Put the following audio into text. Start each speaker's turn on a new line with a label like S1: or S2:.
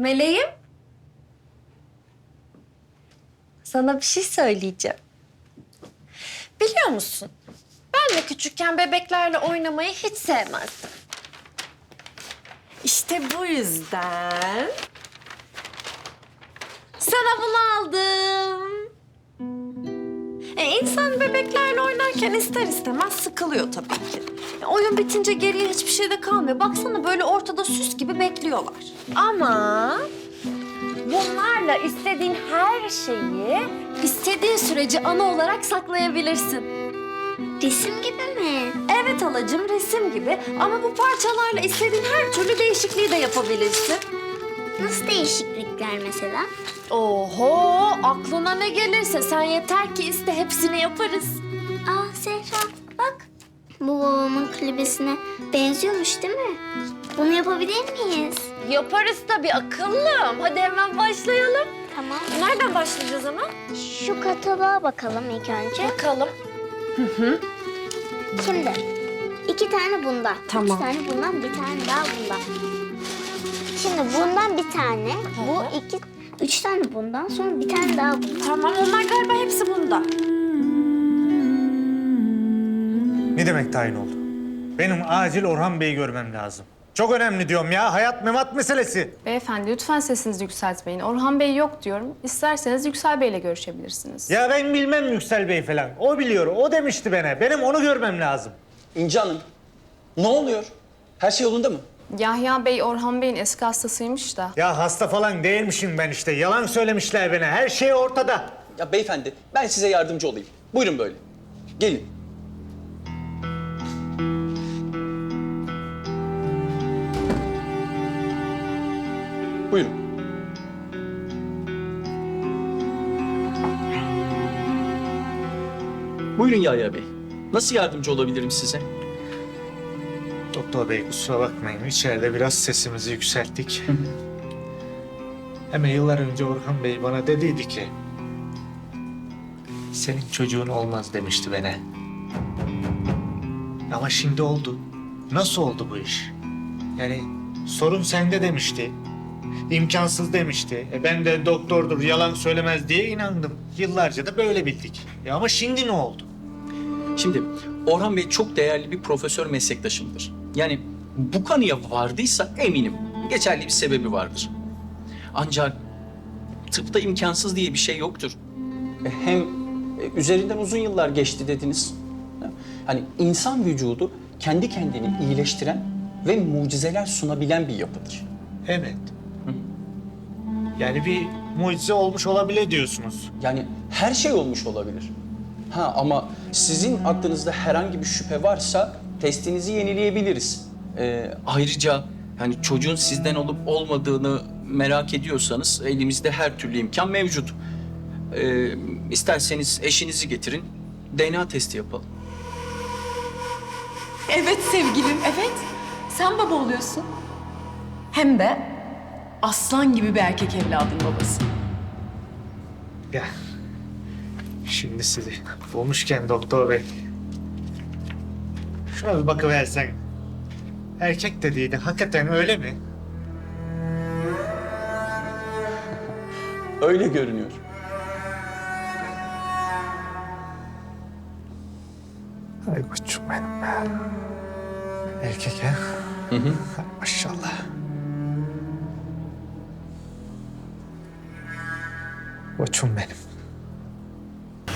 S1: Meleğim. Sana bir şey söyleyeceğim. Biliyor musun? Ben de küçükken bebeklerle oynamayı hiç sevmezdim. İşte bu yüzden sana bunu aldım. İnsan bebeklerle oynarken ister istemez sıkılıyor tabii ki. Oyun bitince geriye hiçbir şey de kalmıyor. Baksana böyle ortada süs gibi bekliyorlar. Ama bunlarla istediğin her şeyi istediğin sürece anı olarak saklayabilirsin.
S2: Resim gibi mi?
S1: Evet halacığım, resim gibi. Ama bu parçalarla istediğin her türlü değişikliği de yapabilirsin.
S2: Nasıl değişiklikler mesela?
S1: Oho, aklına ne gelirse sen yeter ki iste, hepsini yaparız.
S2: Aa Zehra bak. Bu babamın klibesine benziyormuş değil mi? Bunu yapabilir miyiz?
S1: Yaparız tabii akıllım. Hadi hemen başlayalım.
S2: Tamam.
S1: Nereden başlayacağız ama?
S2: Şu kataloğa bakalım ilk önce.
S1: Bakalım.
S2: Şimdi 2 tane bundan.
S1: Tamam.
S2: 3 tane bundan, bir tane daha bundan. Şimdi bundan bir tane, bu 3 tane bundan, sonra bir tane daha bundan.
S1: Tamam, onlar galiba hepsi bunda.
S3: Ne demek tayin oldu? Benim acil Orhan Bey'i görmem lazım. Çok önemli diyorum ya. Hayat memat meselesi.
S4: Beyefendi lütfen sesinizi yükseltmeyin. Orhan Bey yok diyorum. İsterseniz Yüksel Bey'le görüşebilirsiniz.
S3: Ya ben bilmem Yüksel Bey falan. O biliyor. O demişti bana. Benim onu görmem lazım.
S5: İnci Hanım, ne oluyor? Her şey yolunda mı?
S4: Yahya Bey Orhan Bey'in eski hastasıymış da.
S3: Ya hasta falan değilmişim ben işte. Yalan söylemişler bana. Her şey ortada.
S5: Ya beyefendi, ben size yardımcı olayım. Buyurun böyle. Gelin. Buyurun. Buyurun Yahya Bey. Nasıl yardımcı olabilirim size?
S3: Doktor Bey kusura bakmayın. İçeride biraz sesimizi yükselttik. Hemen yıllar önce Orhan Bey bana dediydi ki... ...senin çocuğun olmaz demişti bana. Ama şimdi oldu. Nasıl oldu bu iş? Yani sorun sende demişti. İmkansız demişti. Ben de doktordur, yalan söylemez diye inandım. Yıllarca da böyle bildik. Ama şimdi ne oldu?
S5: Şimdi Orhan Bey çok değerli bir profesör meslektaşımdır. Yani bu kanıya vardıysa eminim geçerli bir sebebi vardır. Ancak tıpta imkansız diye bir şey yoktur. Hem üzerinden uzun yıllar geçti dediniz. Hani insan vücudu kendi kendini iyileştiren ve mucizeler sunabilen bir yapıdır.
S3: Evet. Yani bir mucize olmuş olabilir diyorsunuz.
S5: Yani her şey olmuş olabilir. Ama sizin aklınızda herhangi bir şüphe varsa testinizi yenileyebiliriz. Ayrıca yani çocuğun sizden olup olmadığını merak ediyorsanız elimizde her türlü imkan mevcut. İsterseniz eşinizi getirin, DNA testi yapalım.
S6: Evet sevgilim, evet. Sen baba oluyorsun. Hem de aslan gibi bir erkek evladın babası.
S3: Ya şimdi sizi bulmuşken doktor bey. Şuna bir bakıversen. Erkek dediğin hakikaten öyle mi?
S5: Öyle görünüyor.
S3: Ay koçum benim be. Erkek ha?
S5: Hı hı.
S3: Maşallah. Koçum benim.